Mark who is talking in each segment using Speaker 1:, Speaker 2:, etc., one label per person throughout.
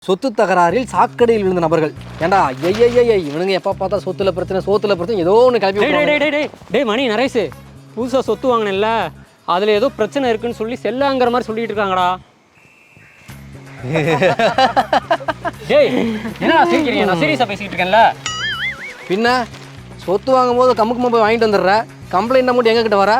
Speaker 1: சொத்து தகராறில் சாக்கடையில் விழுந்த நபர்கள். ஏண்டா ஐயய்ய இவனுங்க எப்போ பார்த்தா சொத்துல பிரச்சனை சோத்துல பிரச்சனை ஏதோ ஒன்று கிளப்பி.
Speaker 2: டே மணி நரேஷ், புதுசாக சொத்து வாங்கினேன்ல, அதில் ஏதோ பிரச்சனை இருக்குன்னு சொல்லி செல்லாங்கிற மாதிரி சொல்லிட்டு இருக்காங்கடா. டேய் என்னடா சிரிக்கிறீங்க? நான் சீரியஸாக பேசிக்கிட்டு இருக்கேன்ல.
Speaker 1: பின்ன சொத்து வாங்கும் போது கம்முக்குமா போய் வாங்கிட்டு வந்துடுற, கம்ப்ளைண்ட் அமௌண்ட் எங்ககிட்ட வர?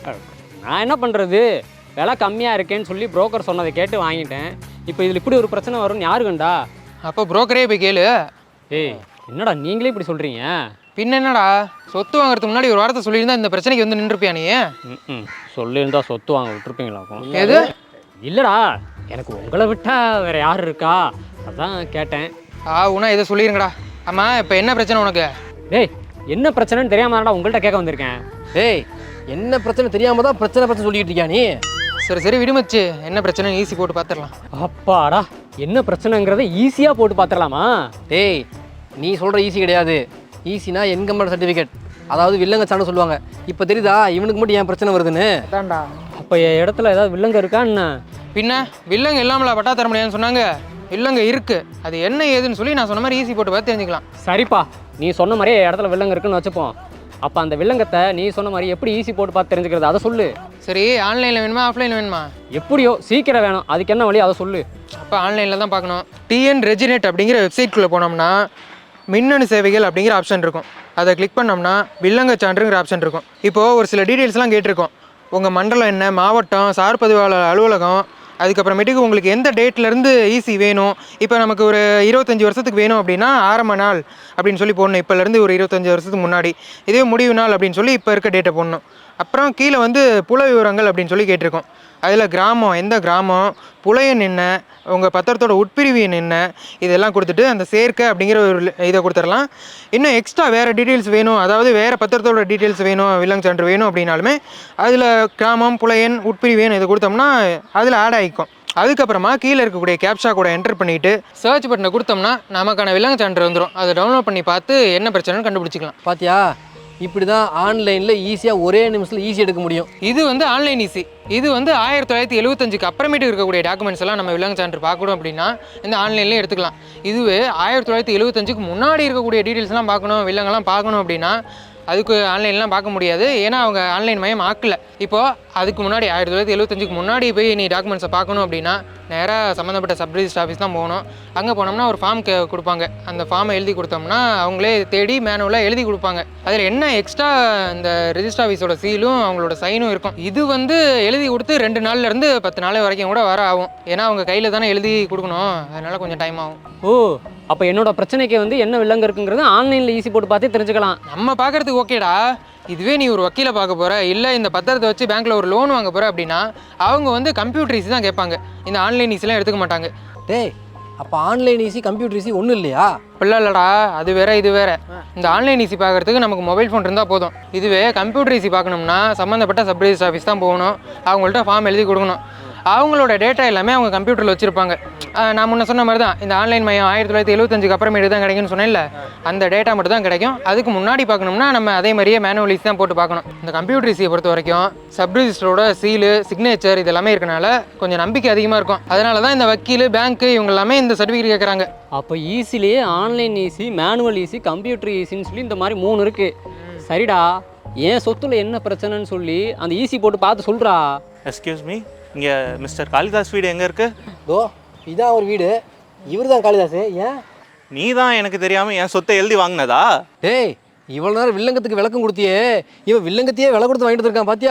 Speaker 2: நான் என்ன பண்ணுறது, விலை கம்மியாக இருக்கேன்னு சொல்லி புரோக்கர் சொன்னதை கேட்டு வாங்கிட்டேன். இப்போ இதில் இப்படி ஒரு பிரச்சனை வரும்னு யாரு கண்டா?
Speaker 3: அப்போ புரோக்கரே போய் கேளு.
Speaker 2: ஏய் என்னடா நீங்களே இப்படி சொல்கிறீங்க?
Speaker 3: பின்ன என்னடா, சொத்து வாங்குறதுக்கு முன்னாடி ஒரு வாரத்தை சொல்லியிருந்தா இந்த பிரச்சனைக்கு வந்து நின்றுப்பியா நீ?
Speaker 2: சொல்லியிருந்தா சொத்து வாங்க விட்டுருப்பீங்களாக்கும்.
Speaker 3: எது?
Speaker 2: இல்லைடா, எனக்கு உங்களை விட்டா வேற யார் இருக்கா, அதான் கேட்டேன்.
Speaker 3: உனா இதை சொல்லிடுங்கடா. ஆமாம், இப்போ என்ன பிரச்சனை உனக்கு?
Speaker 2: டேய் என்ன பிரச்சனைன்னு தெரியாமடா உங்கள்கிட்ட கேட்க வந்திருக்கேன்.
Speaker 1: டேய் என்ன பிரச்சனை தெரியாம தான் பிரச்சனை சொல்லிட்டு இருக்கியா நீ?
Speaker 3: சரி விடுமச்சு, என்ன பிரச்சனை ஈஸி போட்டு பார்த்துடலாம்.
Speaker 2: அப்பாடா, என்ன பிரச்சனைங்கிறத ஈஸியாக போட்டு பார்த்துடலாமா?
Speaker 1: டேய் நீ சொல்கிற ஈஸி கிடையாது. ஈஸினா இன்கம் சர்டிஃபிகேட், அதாவது வில்லங்க சான்னு சொல்லுவாங்க. இப்போ தெரியுதா இவனுக்கு மட்டும் ஏன் பிரச்சனை வருதுன்னு?
Speaker 3: அதான்டா.
Speaker 2: அப்போ என் இடத்துல ஏதாவது வில்லங்க இருக்கா என்ன?
Speaker 3: பின்ன வில்லங்க இல்லாமலா பட்டா தர முடியாதுன்னு சொன்னாங்க? வில்லங்க இருக்குது, அது என்ன ஏதுன்னு சொல்லி நான் சொன்ன மாதிரி ஈஸி போட்டு பார்த்து தெரிஞ்சுக்கலாம்.
Speaker 2: சரிப்பா, நீ சொன்ன மாதிரியே என் இடத்துல வில்லங்க இருக்குன்னு வச்சுப்போம். அப்போ அந்த வில்லங்கத்தை நீ சொன்ன மாதிரி எப்படி ஈஸி போட்டு பார்த்து தெரிஞ்சுக்கிறது, அதை சொல்லு.
Speaker 3: சரி, ஆன்லைனில் வேணுமா ஆஃப்லைனில் வேணுமா?
Speaker 2: எப்படியோ சீக்கிரம் வேணும், அதுக்கு என்ன வழி அதை சொல்லு.
Speaker 3: அப்போ ஆன்லைனில் தான் பார்க்கணும். டிஎன் ரெஜினேட் அப்படிங்கிற வெப்சைட்குள்ளே போனோம்னா மின்னணு சேவைகள் அப்படிங்கிற ஆப்ஷன் இருக்கும். அதை கிளிக் பண்ணோம்னா வில்லங்க சான்றுங்கிற ஆப்ஷன் இருக்கும். இப்போது ஒரு சில டீட்டெயில்ஸ்லாம் கேட்டிருக்கோம். உங்கள் மண்டலம் என்ன, மாவட்டம், சார் பதிவாளர் அலுவலகம், அதுக்கப்புறமேட்டுக்கு உங்களுக்கு எந்த டேட்லேருந்து ஈஸி வேணும். இப்போ நமக்கு ஒரு 25 வருஷத்துக்கு வேணும் அப்படின்னா ஆரம்ப நாள் அப்படின்னு சொல்லி போடணும், இப்போலேருந்து ஒரு 25 வருஷத்துக்கு முன்னாடி. இதே முடிவு நாள் அப்படின்னு சொல்லி இப்போ இருக்க டேட்டை போடணும். அப்புறம் கீழே வந்து புல விவரங்கள் அப்படின்னு சொல்லி கேட்டிருக்கோம். அதில் கிராமம், எந்த கிராமம், புலையன் என்ன, உங்கள் பத்திரத்தோட உட்பிரிவு என்ன, இதெல்லாம் கொடுத்துட்டு அந்த சேர்க்கை அப்படிங்கிற ஒரு இதை கொடுத்துடலாம். இன்னும் எக்ஸ்ட்ரா வேறு டீட்டெயில்ஸ் வேணும், அதாவது வேறு பத்திரத்தோட டீட்டெயில்ஸ் வேணும், வில்லங்க சான்று வேணும் அப்படின்னாலுமே அதில் கிராமம், புலையன், உட்பிரிவு இதை கொடுத்தோம்னா அதில் ஆட் ஆகிக்கும். அதுக்கப்புறமா கீழே இருக்கக்கூடிய கேப்ஷா கூட என்டர் பண்ணிவிட்டு சர்ச் பட்டனை கொடுத்தோம்னா நமக்கான வில்லங்க சான்று வந்துடும். அதை டவுன்லோட் பண்ணி பார்த்து என்ன பிரச்சனைன்னு கண்டுபிடிச்சிக்கலாம்.
Speaker 1: பாத்தியா, இப்படி தான் ஆன்லைனில் ஈஸியாக ஒரே நிமிஷத்தில் ஈஸி எடுக்க முடியும்.
Speaker 3: இது வந்து ஆன்லைன் ஈஸி. இது வந்து 1975க்கு அப்புறமேட்டு இருக்கக்கூடிய டாக்குமெண்ட்ஸ் எல்லாம் நம்ம வில்லங்க சான்று பார்க்கணும் அப்படின்னா இந்த ஆன்லைன்லேயே எடுத்துக்கலாம். இதுவே 1975க்கு முன்னாடி இருக்கக்கூடிய டீட்டெயில்ஸ்லாம் பார்க்கணும், வில்லங்கெல்லாம் பார்க்கணும் அப்படின்னா அதுக்கு ஆன்லைன்லாம் பார்க்க முடியாது. ஏன்னா அவங்க ஆன்லைன் மயம் ஆக்கலை. இப்போது அதுக்கு முன்னாடி 1975க்கு முன்னாடி போய் நீ டாக்குமெண்ட்ஸை பார்க்கணும் அப்படின்னா நேராக சம்மந்தப்பட்ட சப் ரிஜிஸ்டர் ஆஃபீஸ் தான் போகணும். அங்கே போனோம்னா ஒரு ஃபார்ம் கொடுப்பாங்க. அந்த ஃபார்மை எழுதி கொடுத்தோம்னா அவங்களே தேடி மேனுவலாக எழுதி கொடுப்பாங்க. அதில் என்ன எக்ஸ்ட்ரா இந்த ரிஜிஸ்டர் ஆஃபீஸோட சீலும் அவங்களோட சைனும் இருக்கும். இது வந்து எழுதி கொடுத்து 2 நாள்லேருந்து 10 நாள் வரைக்கும் கூட வர ஆகும். ஏன்னா அவங்க கையில் தானே எழுதி கொடுக்கணும், அதனால் கொஞ்சம் டைம் ஆகும்.
Speaker 2: ஓ, அப்போ என்னோட பிரச்சனைக்கு வந்து என்ன வில்லங்க இருக்குங்கிறது ஆன்லைனில் ஈஸி போட்டு பார்த்தே தெரிஞ்சுக்கலாம்.
Speaker 3: நம்ம பார்க்குறதுக்கு ஓகேடா. இதுவே நீ ஒரு வக்கீலை பார்க்க போகிற, இல்லை இந்த பத்திரத்தை வச்சு பேங்க்கில் ஒரு லோன் வாங்க போகிற அப்படின்னா அவங்க வந்து கம்ப்யூட்டர் ஈஸி தான் கேட்பாங்க, இந்த ஆன்லைன் ஈஸிலாம் எடுத்துக்க மாட்டாங்க.
Speaker 1: டேய் அப்போ ஆன்லைன் ஈஸி கம்ப்யூட்டர் ஈஸி ஒன்றும் இல்லையா?
Speaker 3: இல்லைடா, அது வேற இது வேற. இந்த ஆன்லைன் ஈஸி பார்க்குறதுக்கு நமக்கு மொபைல் ஃபோன் இருந்தால் போதும். இதுவே கம்ப்யூட்டர் ஈஸி பார்க்கணும்னா சம்மந்தப்பட்ட சப் ரிஜிஸ்டர் ஆஃபீஸ் தான் போகணும், அவங்கள்ட்ட ஃபார்ம் எழுதி கொடுக்கணும். அவங்களோட டேட்டா எல்லாமே அவங்க கம்ப்யூட்டரில் வச்சுருப்பாங்க. நான் முன்ன சொன்ன மாதிரி தான், இந்த ஆன்லைன் மையம் 1975க்கு அப்புறமேட்டு தான் கிடைக்கும்னு சொன்னேன்ல, அந்த டேட்டா மட்டும் தான் கிடைக்கும். அதுக்கு முன்னாடி பார்க்கணும்னா நம்ம அதே மாதிரியே மேனுவல் ஈஸி தான் போட்டு பார்க்கணும். இந்த கம்ப்யூட்டர் ஈஸியை பொறுத்த வரைக்கும் சப் ரிஜிஸ்டரோட சீலு, சிக்னேச்சர் இது எல்லாமே இருக்கனால கொஞ்சம் நம்பிக்கை அதிகமாக இருக்கும். அதனால தான் இந்த வக்கீல், பேங்க்கு இவங்க எல்லாமே இந்த சர்டிஃபிகேட் கேட்குறாங்க.
Speaker 2: அப்போ ஈஸிலேயே online EC, manual EC, computer ஈஸின்னு சொல்லி இந்த மாதிரி 3 இருக்குது. சரிடா, ஏன் சொத்துல என்ன பிரச்சனைன்னு சொல்லி அந்த ஈஸி போட்டு பார்த்து சொல்கிறா.
Speaker 4: எக்ஸ்கியூஸ் மீ, இங்கே மிஸ்டர் காளிதாஸ் வீடு எங்கே இருக்குது?
Speaker 1: ஓ இதான் ஒரு வீடு, இவர் தான் காளிதாஸ். ஏன்
Speaker 4: நீ தான் எனக்கு தெரியாமல் என் சொத்தை எழுதி வாங்கினதா?
Speaker 1: டேய் இவ்வளோ நேரம் வில்லங்கத்துக்கு விளக்கம் கொடுத்தியே, இவன் வில்லங்கத்தையே விலை கொடுத்து வாங்கிட்டு இருக்கான் பாத்தியா?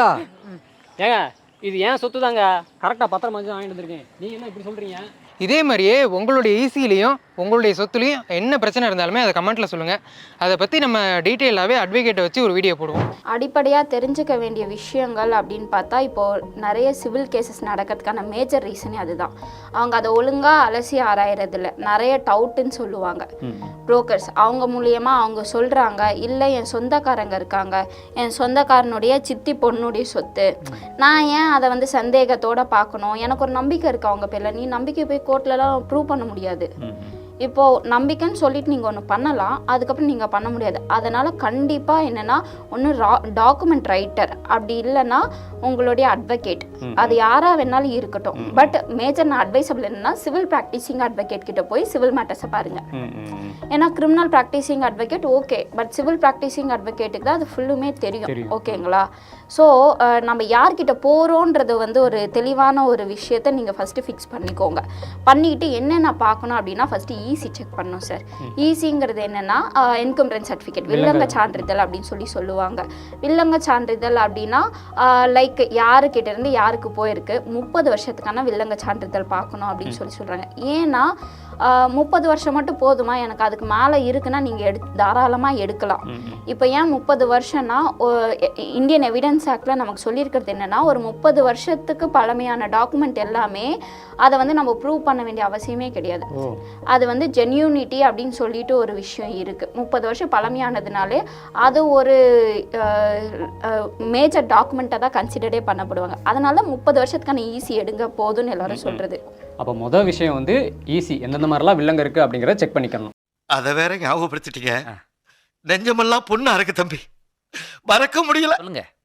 Speaker 2: ஏங்க இது ஏன் சொத்து தாங்க, கரெக்டாக பத்திரமா வாங்கிட்டு வந்துருக்கேன், நீங்கள் என்ன இப்படி சொல்கிறீங்க?
Speaker 3: இதே மாதிரியே உங்களுடைய ஈஸிலையும் உங்களுடைய சொத்துலையும் என்ன பிரச்சனை இருந்தாலுமே அதை கமெண்ட்டில் சொல்லுங்கள். அதை பற்றி நம்ம டீட்டெயிலாகவே அட்வொகேட்டை வச்சு ஒரு வீடியோ போடுவோம்.
Speaker 5: அடிப்படையாக தெரிஞ்சுக்க வேண்டிய விஷயங்கள் அப்படின்னு பார்த்தா, இப்போது நிறைய சிவில் கேசஸ் நடக்கிறதுக்கான மேஜர் ரீசனே அதுதான். அவங்க அதை ஒழுங்காக அலசி ஆராயறதில்ல, நிறைய டவுட்டுன்னு சொல்லுவாங்க புரோக்கர்ஸ். அவங்க மூலியமாக அவங்க சொல்கிறாங்க, இல்லை என் சொந்தக்காரங்க இருக்காங்க, என் சொந்தக்காரனுடைய சித்தி பொண்ணுடைய சொத்து, நான் ஏன் அதை வந்து சந்தேகத்தோடு பார்க்கணும், எனக்கு ஒரு நம்பிக்கை இருக்குது அவங்க பேரில், நீ நம்பிக்கை போய் கோர்ட்லலாம் ப்ரூவ் பண்ண முடியாது. இப்போது நம்பிக்கைன்னு சொல்லிட்டு நீங்கள் ஒன்று பண்ணலாம், அதுக்கப்புறம் நீங்கள் பண்ண முடியாது. அதனால் கண்டிப்பாக என்னென்னா ஒன்று டாக்குமெண்ட் ரைட்டர், அப்படி இல்லைன்னா உங்களுடைய அட்வொகேட், அது யாராக வேணாலும் இருக்கட்டும். பட் மேஜர் நான் அட்வைசபிள் என்னன்னா சிவில் ப்ராக்டிசிங் அட்வொகேட் கிட்ட போய் சிவில் மேட்டர்ஸை பாருங்கள். ஏன்னா criminal practicing advocate okay, but civil practicing அட்வொகேட்டுக்கு தான் அது ஃபுல்லுமே தெரியும். ஓகேங்களா? ஸோ நம்ம யார்கிட்ட போகிறோன்றது வந்து ஒரு தெளிவான ஒரு விஷயத்தை நீங்கள் ஃபஸ்ட்டு ஃபிக்ஸ் பண்ணிக்கோங்க. பண்ணிக்கிட்டு என்னென்ன பார்க்கணும் அப்படின்னா ஃபஸ்ட்டு ஈசி செக் பண்ணணும் சார். ஈசிங்கிறது என்னென்னா என்கம்பரன்ஸ் சர்டிஃபிகேட், வில்லங்க சான்றிதழ் அப்படின்னு சொல்லுவாங்க. வில்லங்க சான்றிதழ் அப்படின்னா லைக் யாருக்கிட்ட இருந்து யாருக்கு போயிருக்கு, 30 வருஷத்துக்கான வில்லங்க சான்றிதழ் பார்க்கணும் அப்படின்னு சொல்கிறாங்க. ஏன்னா 30 வருஷம் மட்டும் போதுமா, எனக்கு அதுக்கு மேலே இருக்குன்னா நீங்கள் தாராளமாக எடுக்கலாம். இப்போ ஏன் 30 வருஷம்னா இந்தியன் எவிடன்ஸ் ஆக்டில் நமக்கு சொல்லியிருக்கிறது என்னென்னா ஒரு 30 வருஷத்துக்கு பழமையான டாக்குமெண்ட் எல்லாமே அதை வந்து நம்ம ப்ரூவ் பண்ண வேண்டிய அவசியமே கிடையாது. அது வந்து ஜென்யூனிட்டி அப்படின்னு சொல்லிட்டு ஒரு விஷயம் இருக்குது. 30 வருஷம் பழமையானதுனாலே அது ஒரு மேஜர் டாக்குமெண்ட்டாக தான் கன்சிடரே பண்ணப்படுவாங்க. அதனால 30 வருஷத்துக்கான ஈசி எடுங்க போதும்னு எல்லாரும் சொல்கிறது.
Speaker 2: அப்போ மொதல் விஷயம் வந்து ஈசி எந்தெந்த மாதிரிலாம் வில்லங்க இருக்குது அப்படிங்கிறத செக் பண்ணிக்கணும்.
Speaker 6: அதை வேற ஞாபகப்படுத்திட்டீங்க. நெஞ்சமெல்லாம் பொண்ணு அறக்கு தம்பி, மறக்க முடியல.
Speaker 7: சொல்லுங்க.